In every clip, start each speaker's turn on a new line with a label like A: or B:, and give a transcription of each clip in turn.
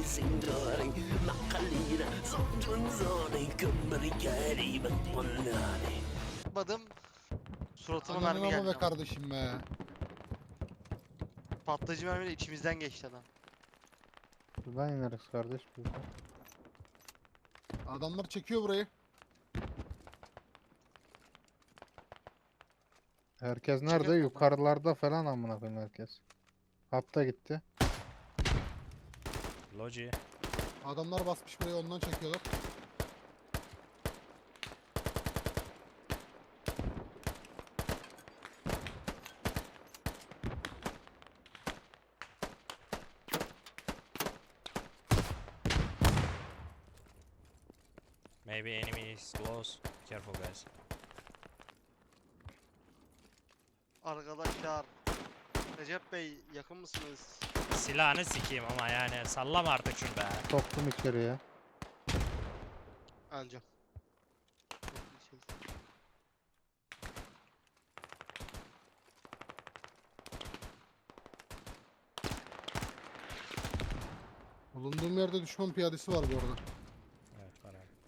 A: sindori, makalina, zonzoni, kumbrikari, bakmallani.
B: Atmadım. Suratıma
C: Ananın
B: mermi
C: ama
B: geldi
C: be
B: ama.
C: kardeşim be.
B: Patlayıcı mermi de içimizden geçti adam.
D: Buradan ineriz kardeş biz de.
C: Adamlar çekiyor burayı.
D: Herkes nerede?
B: Çekiyor.
D: Yukarılarda falan amına koyayım herkes. Hatta gitti.
E: Loji.
C: Adamlar basmış burayı, ondan çekiyorlar.
E: Maybe enemy is close. Careful guys.
B: Arkadaşlar. Recep Bey yakın mısınız?
E: Silahını sikeyim ama yani sallama artık şunu be.
D: Soktum içeriye.
B: Alacağım.
C: Bulunduğum yerde düşman piyadesi var bu arada.
E: Evet var abi.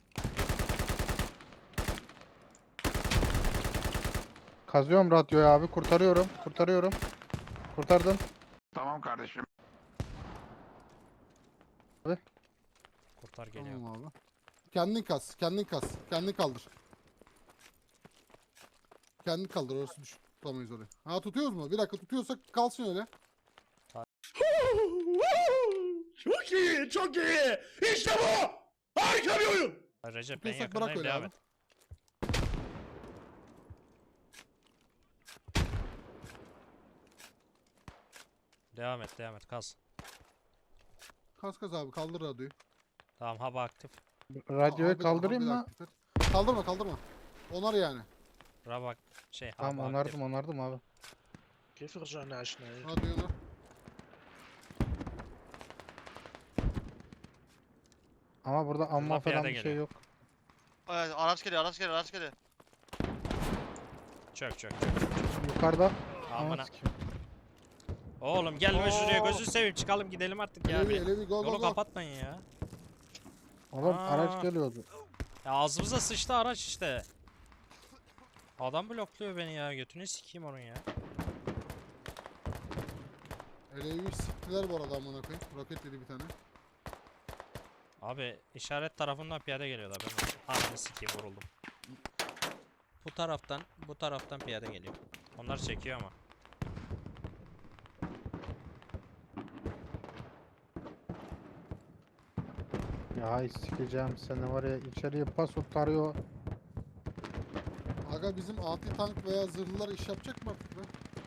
D: Kazıyorum radyoyu abi. Kurtarıyorum. Kurtarıyorum. Kurtardım.
F: Tamam kardeşim.
E: Kurtar geliyor.
C: Tamam abi. Kendin kas, kendin kas. Kendin kaldır. Kendin kaldır, orası düş. Tutamayız orayı. Ha, tutuyoruz mu? Bir dakika, tutuyorsak kalsın öyle.
A: Çok iyi, çok iyi. İşte bu. Harika bir oyun.
E: Recep ben
C: Tutuyorsak bırak
E: yakındayım
C: öyle
E: devam
C: abi.
E: et. Devam et devam et kaz.
C: Kas kas abi, kaldır radyoyu.
E: Tamam hava aktif.
D: Radyoyu
C: Abi,
D: kaldırayım
C: abi,
D: mı?
C: aktif et. Kaldırma, kaldırma. Onar yani.
E: Rabak şey
D: Tamam
E: hava
D: onardım
E: aktif.
D: onardım abi.
F: كيف رجعنا عشنا هيك؟
C: Radyoyu onar.
D: Ama burada amma
E: Burada
D: falan
E: piyade
D: bir şey
E: geliyor.
D: yok.
B: Evet, araç geliyor, araç geliyor, araç geliyor.
E: Çök çök çök.
D: Yukarıda.
E: Amına.
D: Aman sikeyim.
E: Oğlum gelme şuraya
B: Oo.
E: gözünü seveyim çıkalım gidelim artık ya.
C: Elevi,
E: Bir
C: elevi, go go
E: Yolu
C: go.
E: kapatmayın ya.
D: Oğlum
E: Aa.
D: araç geliyordu.
E: Ya ağzımıza sıçtı araç işte. Adam blokluyor beni ya. Götünü sikeyim onun ya.
C: Elevi siktiler bu arada, amına koyayım. Roket dedi bir tane.
E: Abi işaret tarafından piyade geliyorlar. Ben ananı sikeyim vuruldum. Bu taraftan piyade geliyor. Onlar çekiyor ama.
D: Ya sikeceğim seni var ya, içeriye pas tarıyor.
C: Aga, bizim anti tank veya zırhlılar iş yapacak mı artık be?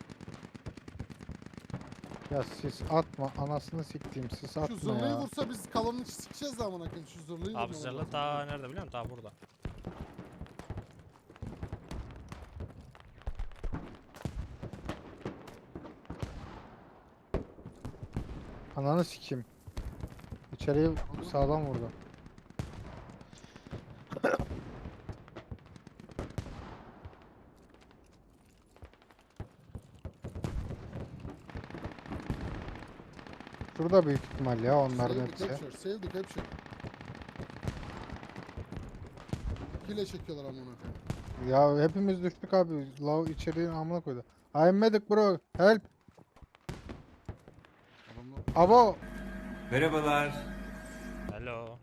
D: Ya sis atma, anasını siktiğim sis
C: Şu
D: atma
C: zırhlıyı
D: ya.
C: vursa biz kalanını sikeceğiz de amına koyayım. Şu zırhlıyı
E: Abi
C: vurmamız
E: zırhlı
C: lazım.
E: ta nerede biliyor musun? Ta burada.
D: Ananı sikeyim. İçeriye sağlam vurdu. Şurada büyük ihtimal ya onların
C: Save the
D: hepsi.
C: capture, save the capture. Kile çekiyorlar amına koyayım.
D: Ya hepimiz düştük abi. Lav içeriye amına koydu. I'm medic bro. Help.
C: Adamlar
D: Abo.
E: Hello.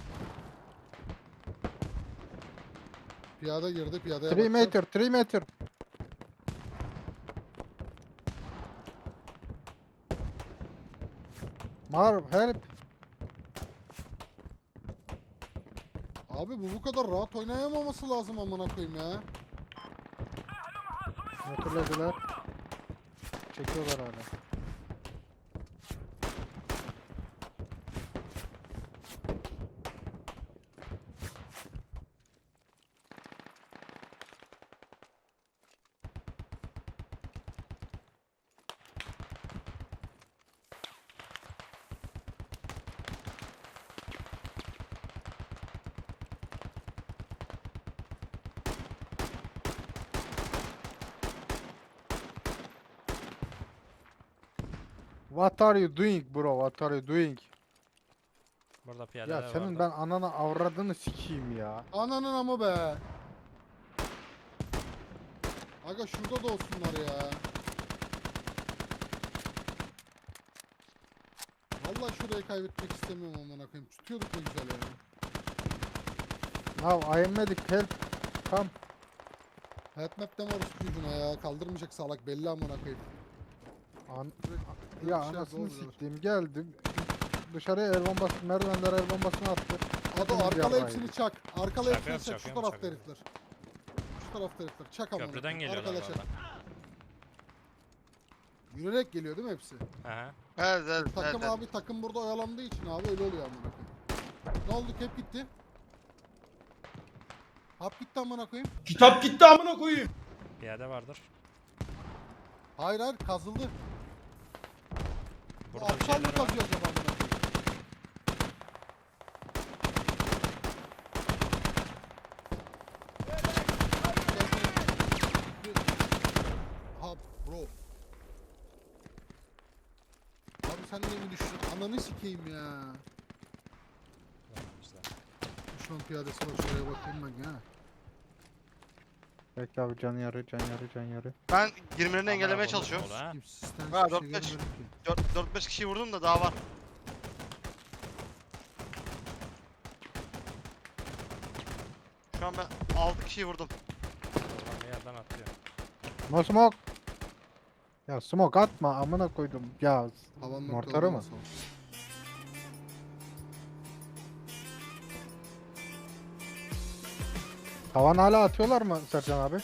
C: piyade girdi, piyadeye
D: 3
C: bakacağım.
D: meter, 3 meter. Marv help.
C: Abi bu kadar rahat oynayamaması lazım amına koyayım ya.
D: Motorladılar. Çekiyorlar hala. What are you doing bro? What are you doing?
E: Burada piyadeler
D: Ya senin
E: vardı.
D: ben anana avradını sikeyim ya.
C: Ananın amı be. Aga şurada da olsunlar ya. Vallahi şurayı kaybetmek istemiyorum amına koyayım. Tutuyorduk ne güzel yani.
D: Now I am medic help. Come.
C: Hayat map'ten var ucuna ya. Kaldırmayacak salak belli amına koyayım.
D: An
C: Böyle
D: ya
C: bir şey
D: anasını
C: oldu.
D: siktiğim geldim. Dışarıya el bombası, merdivenlere el bombasını attı.
C: Ado
D: Hepimiz
C: arkala
D: yarrağıydı.
C: hepsini çak. Arkala
E: Çakıyorum,
C: hepsini çak. Şu
E: çakıyorum,
C: tarafta
E: çakıyorum.
C: herifler. Şu tarafta herifler. Çak amına
E: Köprüden
C: koyayım.
E: geliyorlar
C: Arkadaşlar.
E: valla.
C: Yürüyerek geliyor değil mi hepsi?
E: Aha.
B: Evet evet
C: Takım
B: evet.
C: abi takım burada oyalandığı için abi öyle oluyor amına koyayım. Ne oldu? Hep gitti. Hap gitti amına koyayım.
A: Kitap gitti amına koyayım.
E: Piyade vardır.
C: Hayır hayır kazıldı. Bu
E: Burada bir
C: aptal mı
E: şeyler var.
C: kazıyor acaba amına koyayım? Ha bro. Abi sen niye mi düştün? Ananı sikeyim ya.
E: Önümüzde.
C: Şu an piyadesi var şuraya bakayım ben ya.
D: Bekle abi can yarı, can yarı, can yarı.
B: Ben girmelerini
E: Amına
B: engellemeye
E: koydum
B: çalışıyorum.
E: oğlu ha.
C: Kim sistem
B: Ha,
C: hiçbir şey
B: 4-5.
C: görmedim ki.
B: 4-5 kişiyi vurdum da daha var. Şu an ben 6 kişiyi vurdum.
E: Adam bir yerden atlıyor.
D: No smoke. Ya smoke atma amına koydum. Ya
C: Havanın
D: mortarı
C: noktaları
D: mı?
C: nasıl olmuş?
D: Havan hala atıyorlar mı Sercan abi?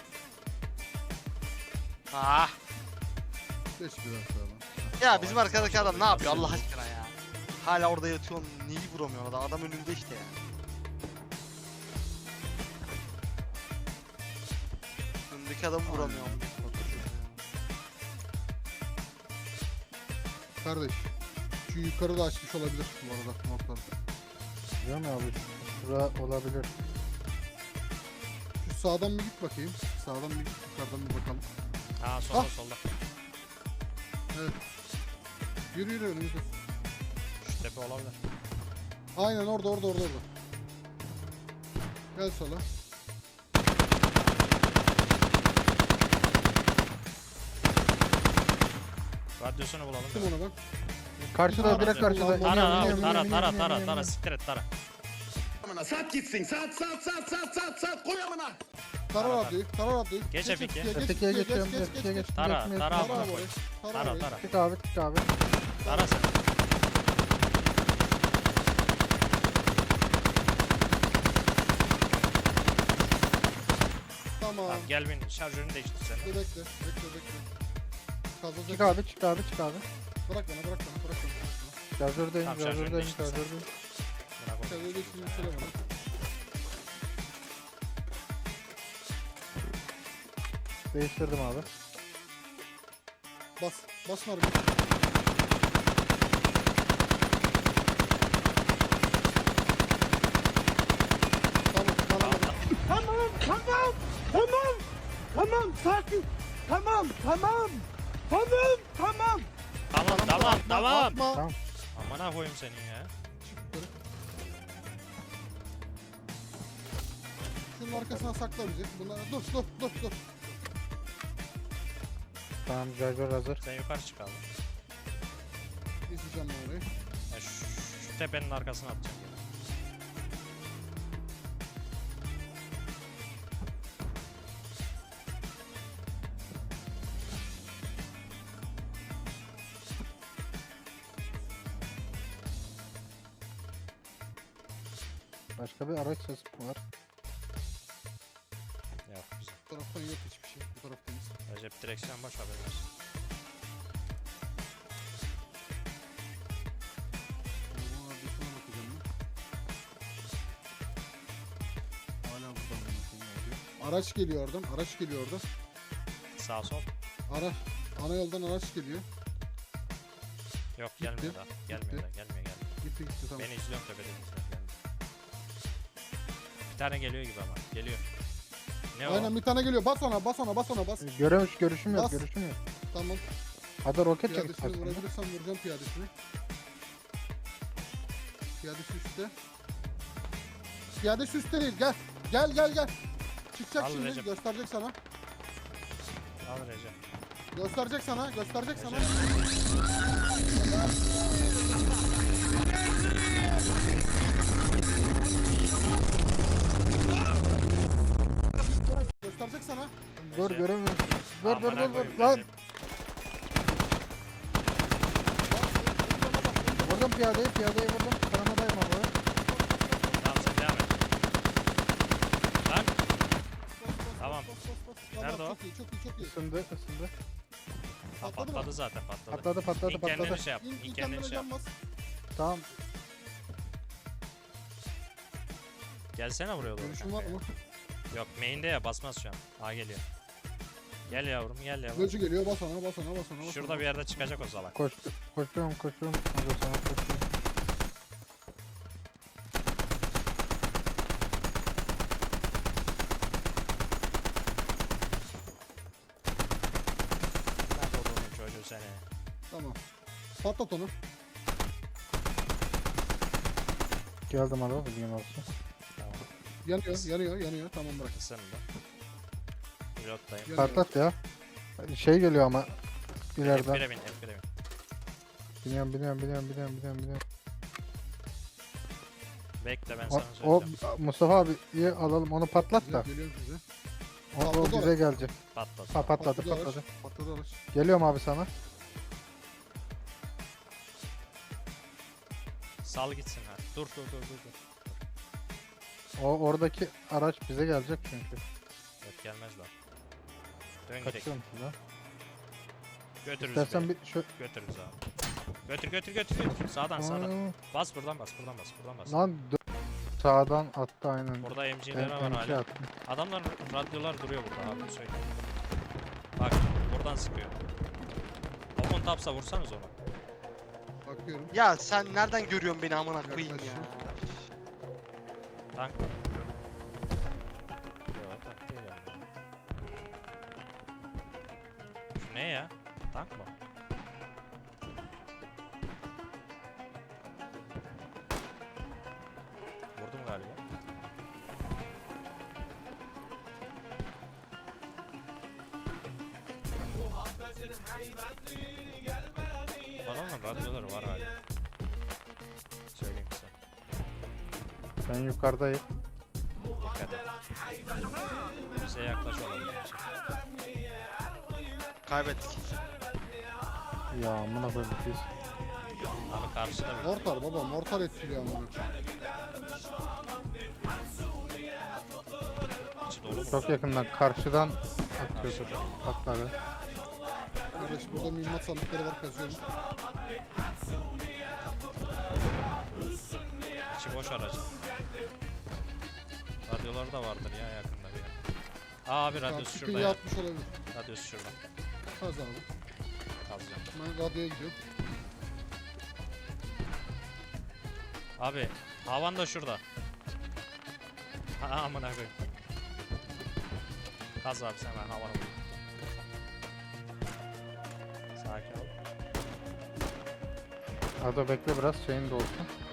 B: Ah.
C: Geç biraz daha lan.
B: Ya bizim arkadaki adam ne yapıyor Allah aşkına ya. Hala orada yatıyor, neyi vuramıyor adam? Adam önünde işte ya. Önündeki adamı vuramıyor.
C: Kardeş. Şu yukarı da açmış olabilir bu arada notları.
D: Biliyor musun abi? Şura olabilir.
C: Şu sağdan bir git bakayım. Sağdan bir git yukarıdan bir bakalım.
E: Ha solda
C: Ah!
E: solda.
C: Yürü yürü önümüzde.
E: Şu tepe olabilir.
C: Aynen orada. Gel sola.
E: Radyosunu bulalım.
C: Kim ona bak.
D: Karşıda
E: Tara,
D: direkt
E: tara.
D: karşıda.
E: Tara
D: İniyorum,
E: abi
D: iniyorum,
E: tara
D: iniyorum,
E: tara
D: iniyorum,
E: tara
D: iniyorum.
E: tara siktir et tara.
A: Sat gitsin. Sat. Koy amına.
C: Tara
E: Tara,
C: radyoyu. Tara radyoyu.
E: Geç F2.
D: F2'ye geçiyorum, F2'ye geçtim.
E: Tara,
D: Geçtim,
E: tara
D: geçtim.
E: amına
C: Tara
E: koy.
C: orayı.
E: Tara
C: orayı.
E: tara.
D: Çık abi, çık abi.
E: Tara sen.
C: Tamam.
E: Tamam gel bin şarjörünü değiştir sen.
C: Bekle. Kazılacak.
D: Çık abi, çık abi, çık abi.
C: Bırak bana.
D: Şarjördeyim,
E: Tamam, şarjörünü
D: şarjördeyim,
E: değiştir sen.
D: şarjördeyim.
E: Buna koy.
C: Sen öyle şimdi söyle bana.
D: Değiştirdim abi.
C: Bas var. Tamam.
A: Tamam sakin. Tamam.
E: Tamam.
C: Atma.
E: Amına koyayım senin ya.
C: Şunun arkasına sakla bizi. Bunlar dur.
D: Tamam, şarjör hazır.
E: Sen yukarı çık abi.
C: İzleyeceğim ben orayı.
E: Ya şu tepenin arkasına atacağım.
D: Başka bir araç sesi var.
E: Yok güzel.
C: Bu taraftan yok hiçbir şey. Bu taraf temiz.
E: Recep direksiyon baş haberin olsun.
C: Bunun radyosuna bakacağım ben. Hala buradan bakıyorum. Araç geliyor oradan.
E: Sağ sol.
C: Ana yoldan araç geliyor.
E: Yok gelmiyor daha. Gelmiyor.
C: Gitti tamam.
E: Beni izliyorum tepeden izliyorum. Gelmiyor. Bir tane geliyor gibi ama. Geliyor. Ne o?
C: Aynen bir tane geliyor. Bas ona.
D: Görüşüm yok,
C: Bas.
D: görüşüm yok.
C: Tamam.
D: Hadi roket çek
C: Piyadesini
D: istersen.
C: vurabilirsem vuracağım piyadesini. Piyadesi üstte. Piyadesi üstte değil. Gel. Gel gel gel. Çıkacak
E: Al
C: şimdi.
E: Recep.
C: Gösterecek sana.
E: Al Recep.
C: Gösterecek sana. Gösterecek sana. Gösterecek sana.
D: Dur
E: Recep.
D: göremiyorum. Dur dur
E: Amına
D: dur
E: koyayım
D: dur. Lan
E: Recep.
D: vurdum piyadeyi vurdum. Karamadayım abi.
E: Tamam sen devam et. Lan. Tamam. Nerede o?
C: Çok iyi çok iyi çok iyi.
D: Isındı.
E: Ha,
C: Patladı mı?
E: patladı zaten patladı.
D: Patladı
E: İlk kendini
D: patladı.
E: şey yap.
C: İlk
E: İlk kendini
C: kendine
E: şey yap.
C: can bas.
D: Tamam.
E: Gelsene buraya doğru.
C: Görüşün var
E: kanka
C: mı?
E: ya. Yok main'de ya basmaz şu an. Ha geliyor. Gel yavrum gel yavrum.
C: Gözü geliyor bas ona bas ona bas ona.
E: Şurada bir yerde çıkacak o salak.
D: Koşuyorum. Hadi sana koşuyorum.
E: Ne kodumun çocuğu seni.
C: Tamam. Patlat onu.
D: Geldim abi bilgin olsun.
E: Tamam.
C: Yanıyor. Tamam bırak.
E: Isındı. Pilottayım.
C: Yanıyor.
D: Patlat ya. Şey geliyor ama ileriden.
E: F1'e bin F1'e bin.
D: Biniyorum.
E: Bekle ben
D: O,
E: sana
D: o
E: söyleyeceğim.
D: Mustafa abiyi alalım onu patlat da.
C: Geliyorum size.
D: O
C: Patladı
D: bize gelecek.
E: Patladı.
D: Ha patladı.
C: araç. Patladı araç.
D: Geliyorum abi sana.
E: Sal gitsin ha. Dur.
D: O oradaki araç bize gelecek çünkü.
E: Yok gelmez daha. Dön gidelim.
D: Kaçıyorum size.
E: Götürürüz.
D: İstersen
E: be.
D: bir şu...
E: Götürürüz abi. Götür. Sağdan. Bas buradan bas.
D: Lan sağdan attı aynen.
E: Burada
D: Ben
E: MG'lere var
D: M2
E: hala.
D: attım.
E: Adamlar radyolar duruyor burada abi söyle. Bak buradan sıkıyor. Open tapsa vursanız ona.
C: Bakıyorum.
B: Ya sen nereden görüyorsun beni amına koyayım ya?
E: Tank. Yok tank değil yani. Şu ne ya? Tank mı? Vurdum galiba. Adamın radyoları var hala. Söyleyeyim size.
D: Ben yukarıdayım.
E: Dikkat et. Bize yaklaş olabilir.
B: Kaybettik.
D: Ya amına koyayım biz.
E: Abi karşıda bir
C: Mortar baba mortar etkiliyor amına.
E: içi dolu mu?
D: Çok yakından karşıdan atıyor. Patladı.
C: Kardeş burada mühimmat sandıkları var kazıyorum.
E: İçi boş aracın. Radyoları da vardır ya yakında bir yer. Aa abi
C: Tamam,
E: radyosu şurada
C: sıkıntı
E: ya.
C: atmış olabilir.
E: Radyosu şurada.
C: Kaz abi.
E: Kazacağım.
C: Ben radyoya gidiyorum.
E: Abi havan da şurada. Ha amına koyayım. Kaz abi sen ben havana vur. Sakin ol.
D: Ado bekle biraz şeyin de olsun.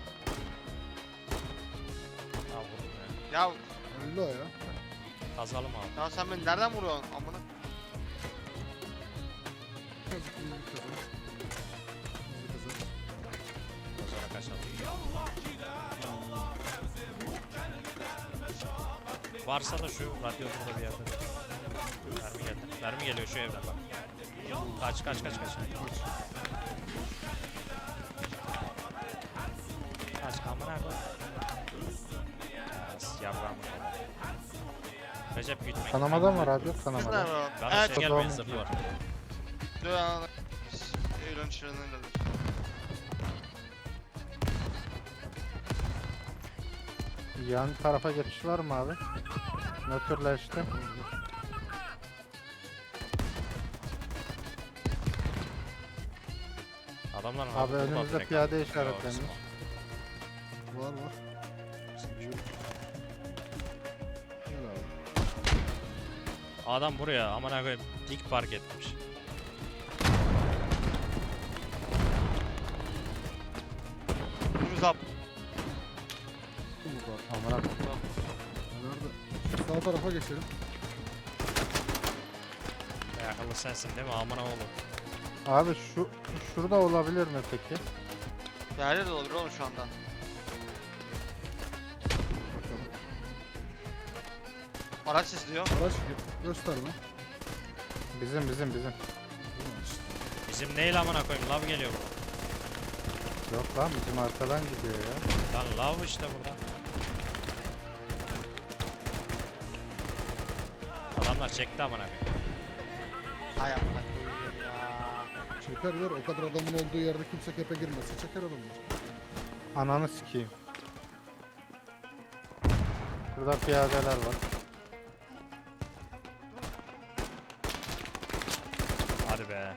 E: Tamam vurdum ya.
B: Ya
C: Öldü o ya.
E: Kazalım abi.
B: ya sen beni nereden vuruyorsun amına?
E: Sonra kaçalım. Varsa da şu radyo burada bir yerde. Mermi geldi. Mermi geliyor şu evden bak. Kaç. Kaç amına koy. Yavrum. Recep gütmek.
D: Kanamadan var abi
B: Siz
D: kanamadan.
B: nereden vuruyorsun?
E: Bana
B: Evet.
E: şey
D: çok
E: gelmeyin
D: olmuş.
E: zırhlı var.
B: Dur ya. Eylül'ün çırağını indirdim.
D: Yan tarafa geçiş var mı abi? Nötrleşti.
E: Adamlar
D: Abi önümüzde piyade işaretlenmiş.
C: Var. Gel abi.
E: Adam buraya aman koyayım dik park etmiş.
B: Önümüz up.
C: var.
D: Amına koyayım.
C: Nerede? Sağ tarafa geçelim.
E: Akıllı sensin değil mi? Amına oğlum.
D: Abi şurada olabilir mi peki?
B: Her yerde olur oğlum şu anda.
C: Bakalım.
B: Araç sesliyor.
C: Araç gösterme.
D: Bizim.
E: Bizim neyle amına koyayım? Lav geliyor burada.
D: Yok lan bizim arkadan gidiyor ya.
E: Lan lav işte burada. Adamlar çekti amına koyayım.
B: Hay amına koyayım ya.
C: Çeker ver, o kadar adamın olduğu yerde kimse kepe girmesin. Çeker adamlar.
D: Ananı sikeyim. Burada piyadeler var.
E: Hadi be.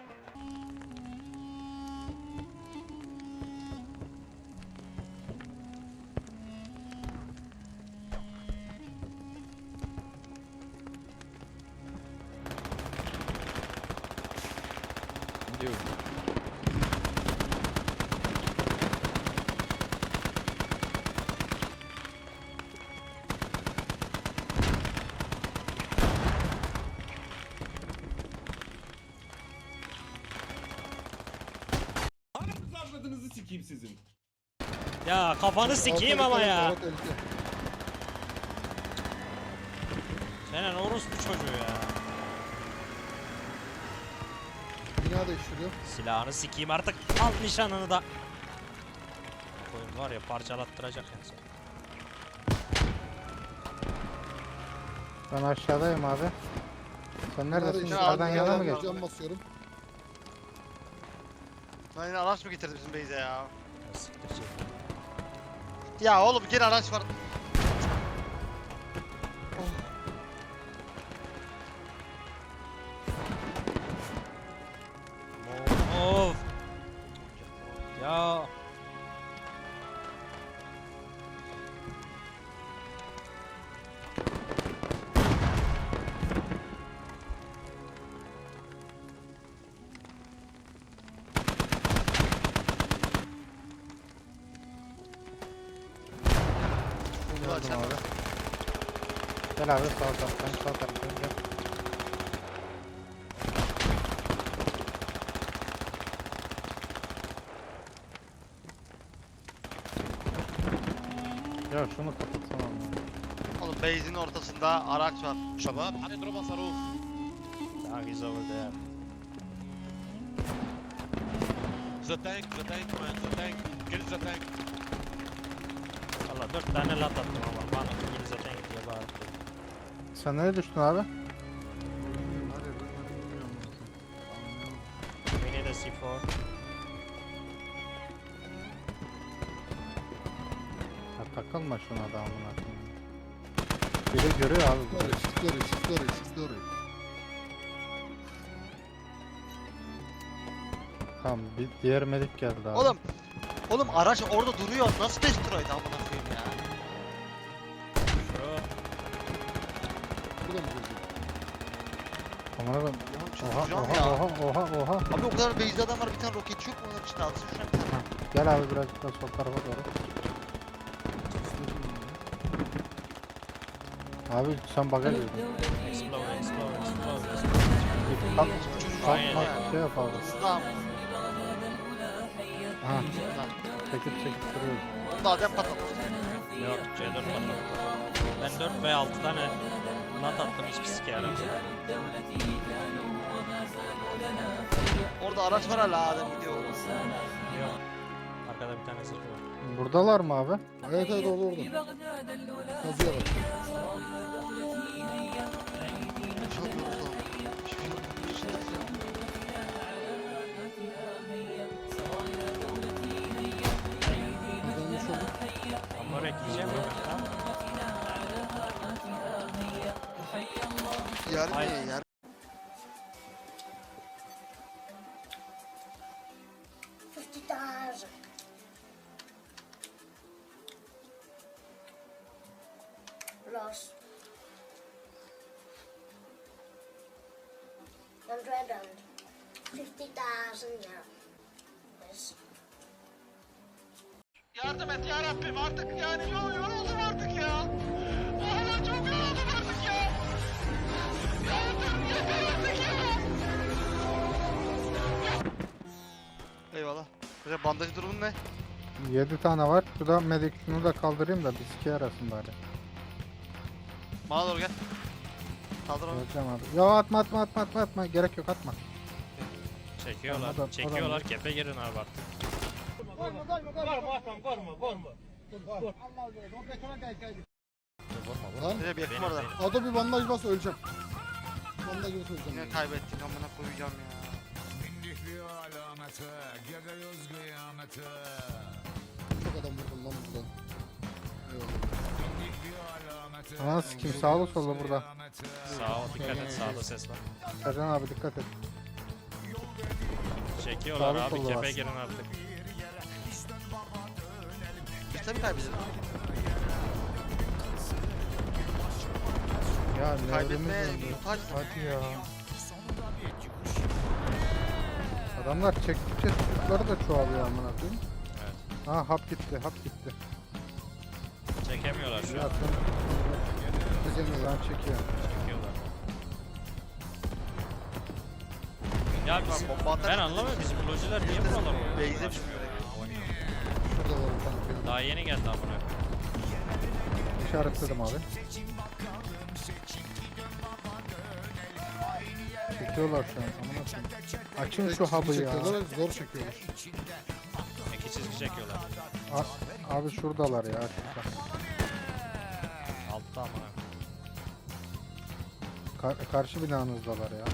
A: Ananızı avradınızı sikeyim sizin.
E: Ya kafanı sikeyim
C: Alt
E: ama
C: tehlike,
E: ya.
C: alt tehlike.
E: Senin orospu çocuğu ya.
C: Bina değiştiriyor.
E: Silahını sikeyim artık. Al nişanını da. Koyun var ya parçalattıracak yani seni.
D: Ben aşağıdayım abi. Sen neredesin?
C: Bina
D: Yukarıdan
C: değiştiriyor.
D: yana mı
B: gel.
D: geçtin?
C: Cam basıyorum.
B: Lan yine araç mı getirdi bizim base'e ya?
E: Ya siktir çek.
B: Ya oğlum gene araç var.
E: Of. Ya.
B: Bunu
D: Gördüm
B: açalım.
D: abi. Gel abi sağ taraftan gel. Ya şunu kapatsana.
B: Oğlum base'in ortasında araç var.
A: Şabab هنضربها صاروخ.
E: Tank is over there.
A: The tank man, the tank. Kill the tank.
E: Valla 4 tane lat attım ama bana İngilizce tank diye bağırdı.
D: Sen nereye düştün abi?
E: We need a C4.
D: Ya takılma şuna da amına koyayım. Biri görüyor abi.
C: Doğru, çift doğru.
D: Tamam bir diğer medik geldi abi.
B: Oğlum araç orada duruyor. Nasıl destroyed amına koyayım ya?
E: Şu.
C: Burada mı gözüküyor?
D: Amına koyayım. Oha
B: Çıldıracağım
D: oha
B: ya.
D: oha.
B: Abi o kadar base'de adam var, bir tane roketçi yok mu onun içinde? Atsın şuna bir tane.
D: Gel abi birazcık daha sol tarafa doğru. Abi sen bagaj yedin.
E: Explore.
D: Kalk
E: Aynen
D: kalk
E: ya.
D: şey yap abi.
B: Tamam.
D: Ha çekip duruyor.
B: Onu da adam patlattı.
E: Yok C4 patladı. Ben 4 veya 6 tane lat attım hiçbir sike yaramadı.
B: Orada araç var hala adam gidiyor.
E: Yok. Arkada bir tane zırh var.
D: Buradalar mı abi?
C: Evet orada. Kazıyorlar.
B: Çok yoruldu. Hiçbir şey yok. Hiçbir şey yok.
C: Dönmüş olduk.
E: Ama oraya gideceğim mi ben? Tamam.
B: Yer
E: Ay.
B: mi? Yer.
G: 50,000. Lost. 150,000 euros.
B: Yardım et ya Rabbim artık yani yoruldum artık ya. Valla çok yoruldum artık ya. Yardım yeter artık ya. Eyvallah. Böyle bandaj durumun ne?
D: 7 tane var. Şu da medik, şunu da kaldırayım da bir sike arasın bari.
B: Bana doğru gel. Kaldır onu.
D: Öleceğim abi. Ya atma. Gerek yok, atma.
E: Çekiyorlar.
D: Adam-
E: Çekiyorlar.
D: adam-
E: Kepe girin abi artık. Vurma.
C: Lan
B: Nereye bir yakın
E: Benim
B: var da.
E: değil.
C: ada bir bandaj bas öleceğim. Bandaj bas öleceğim.
B: Yine kaybettik amına koyacağım ya.
C: Çok adam vurdum lan buradan. Eyvallah.
D: Ana sikeyim, sağlı sollu burada.
E: Sağa dikkat et. Sağda ses var.
D: Sercan abi dikkat et.
E: Çekiyorlar
D: Sağda
E: abi.
D: solda
E: Kepe
D: var.
E: girin artık.
B: Biz tabii kaybedelim.
D: Ya
B: Kaybetme
D: nevrimiz öldü.
B: muhtaç.
D: Hadi ya. Adamlar çektikçe çocukları da çoğalıyor amına koyayım.
E: Evet.
D: Ha hap gitti.
E: Çekemiyorlar şu
D: Ya
E: an.
C: Çekemiyorlar.
D: ben çekiyorum.
E: Çekiyorlar. Ya biz,
B: Bomba atar.
E: ben anlamıyorum bizim lojiler niye buralar oynuyor?
B: Beyze düşmüyor.
C: Şurada var bir tane benim.
E: Daha yeni geldi amına koyayım.
D: İşaretledim abi. Çekiyorlar şu an amına koyayım. Açın
C: Tek
D: şu
C: çizgi
D: hub'ı ya.
C: çekiyorlar, zor çekiyorlar.
E: İki çizgi çekiyorlar.
D: Abi şuradalar ya. Şurada.
E: Altta amına koyayım.
D: Karşı binanızdalar ya.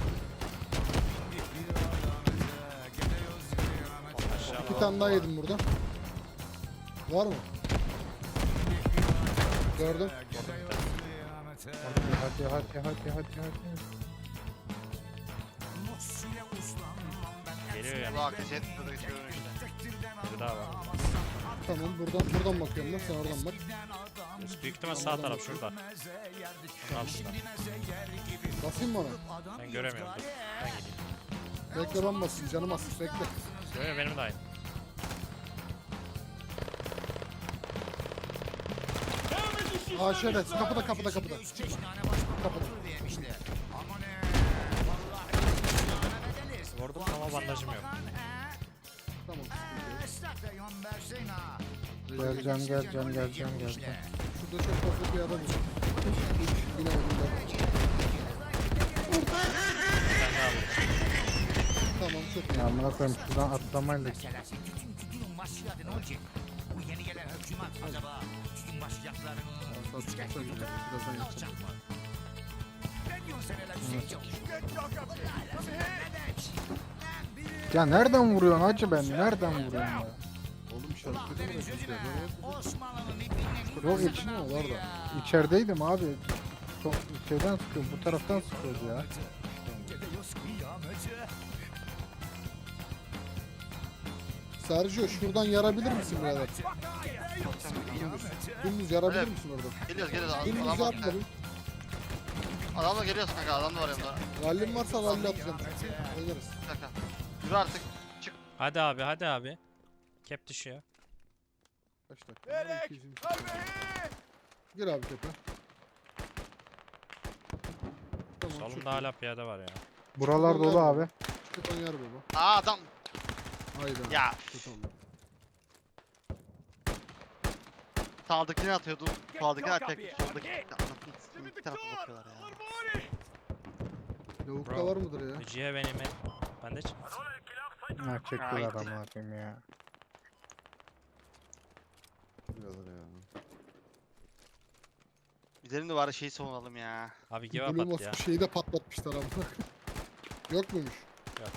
E: Aşağıda
C: Bir tane daha yedim burada. Var mı? Gördüm.
D: Hadi.
E: geliyor yani.
B: Bu ateş etmiyor da geçiyor işte.
E: Biri daha var.
C: Tamam buradan bakıyorum ben, sen oradan bak.
E: Büyük ihtimal sağ taraf şurada. Bunun altında.
C: Basayım mı ona?
E: Ben göremiyorum. Dur. Ben gideyim.
C: Bekle ben basayım, canım az. Bekle.
E: Yok benim de aynı.
C: Aa şeyde, kapıda. Kapıda.
E: Vurdum ama bandajım yok.
C: Tamam.
D: Geleceğim.
C: Şurada çok fazla bir adam var. Yine önünde.
E: Ben daha vurdum.
C: Tamam çok iyi.
D: Ya amına koyayım şuradan atlamayla.
C: Birazdan yapacağım.
D: Ya nereden vuruyorsun hacı ben? Nereden vuruyorsun ya?
C: Oğlum işaretledim de
D: Yok
C: içine al orada.
D: içerideydim abi. Çok şeyden sıkıyor, bu taraftan sıkıyordu ya.
C: Sergio şuradan yarabilir misin birader? Dümdüz yarabilir
B: Evet.
C: misin orada?
B: Geliyoruz.
C: Dümdüz
B: Adam
C: yap
B: var.
C: tabii.
B: Adamla geliyoruz kanka. Adam da var yanında.
C: Rallim varsa ralli atacağım çünkü. Oynarız.
B: Bir dakika. Yürü artık. Çık.
E: Hadi abi. Kep düşüyor.
C: Kaç dakika? Gir abi tepe. Tamam, çok
E: Solumda
C: iyi.
E: hala piyade var ya.
D: Buralar dolu abi.
C: Çıkıp oynar baba.
B: Aa adam.
C: Hayda.
B: Ya.
C: Kötü oldu.
B: Sağdakini atıyordu. Sağdakini atacak. Soldaki. Bir tarafa bakıyorlar ya.
C: Lavukta
E: Bravo.
C: var mıdır ya?
E: Cihe benim el. Ben de çık.
D: Ha çektiler
B: Haydi.
D: adamı atayım ya.
C: Birader ya.
B: Gidelim de bari şeyi savunalım ya.
E: Abi give up
C: Blue
E: at ya.
C: Mosque şeyi de patlatmışlar ama. Yok muymuş?
E: Yok.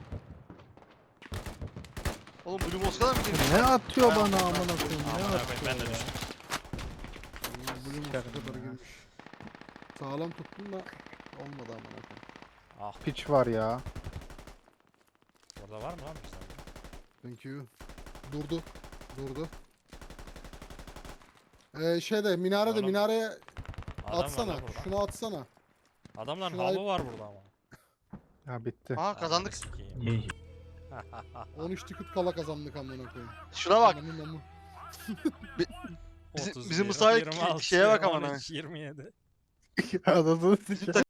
B: Oğlum Blue Mosca'da mı girmiş?
D: Ne atıyor
B: Ha,
D: bana amına koyayım? Ne
E: Amına koyayım, ben de
D: atıyor ya?
E: düştüm.
C: Blue Mosque
D: Sikerim
C: kadar
D: ya.
C: girmiş. Sağlam tuttun da olmadı amına koyayım.
E: Ah,
D: Piç var ya.
E: orada var mı lan bir tane?
C: Thank you. Durdu. Şeyde minarede
E: Oğlum,
C: minareye
E: Adam var
C: atsana.
E: lan burada.
C: Şunu atsana.
E: Adamların
C: şuna-
E: hub'ı var burada ama.
D: Ha bitti.
B: Aa kazandık.
E: Sikeyim.
C: 13 ticket kala kazandık amına koyayım.
B: Şuna bak.
C: Anamın amı.
B: Bizim
E: 31,
B: müsait
E: 26,
B: şeye bak amına.
E: 13, 27.
D: Anasını sikeyim.